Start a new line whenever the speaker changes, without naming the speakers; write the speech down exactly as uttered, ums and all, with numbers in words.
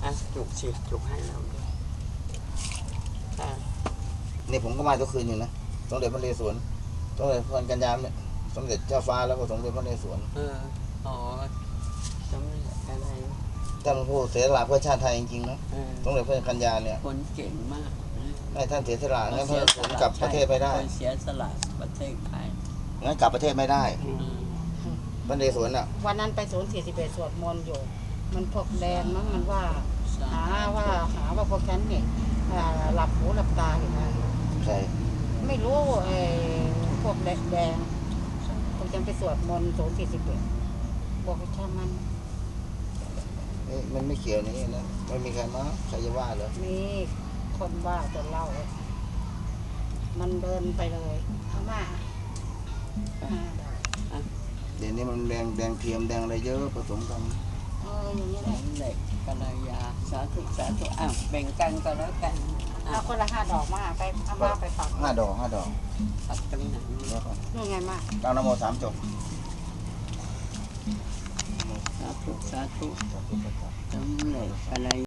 อ่ะจุกสิจุกให้เราด้วยอ่ะ
นี่ผมก็มาทุกคืนอยู่นะสมเด็จพระนเรศวรสมเด็จพระกัญญาเนี่ยสมเด็จเจ้าฟ้าแล้วก็สมเด็จพระนเรศวร
เอออ๋อสมเด็จอะไร
ท่านผู้เสียสละเพื่อชาติไทยจริงๆนะ
เออ
สมเด็จพระกัญญาเนี่ย
คนเก่งมากนะ
ให้ท่านเสียสละงั้นเพื่อผมกลับประเทศไม่ได้
คนเสียสละประเทศไทย
งั้นกลับประเทศไม่ได้
อืม
พระนเรศวรน่ะ
วันนั้นไปศูนย์สี่สิบเอ็ดสวดมนต์อยู่ มันพวกแดนมั้งมันว่า
สา
หาว่าหาว่าพวกฉันเนี่ยอ่าหลับหูหลับตาอยู่นะ
ใช่
ไม่รู้ไอ้พวกแดงแดงพวกฉันไปสวดมนต์ศูนย์สี่สิบเอ็ดบอกให้ช่างมัน
นี่มันไม่เกี่ยวนี่นะไม่มีใครมาใครจะว่าเหรอ
นี่คนว่าจะเล่า มันเดินไปเลยเอามาอ่า
เดี๋ยวนี้มันแดงแดงเทียมแดงอะไรเยอะผสมกัน
เอออย่างนี้
ส
แหละ
มเด็จกัลยาสาธุสาธุอ้าวแบ่งกันก็แล้วกันอ่ะ
เอาคนละห้าดอกมาไปเอามาไปปัก
ห้าดอกห้าดอก
ปักตรงไหน
แล้วก็
นี่ไงมา
ตั้งนโมสามจบ
สาธุสาธุ
สาธุสาธุ
สมเด็จกัล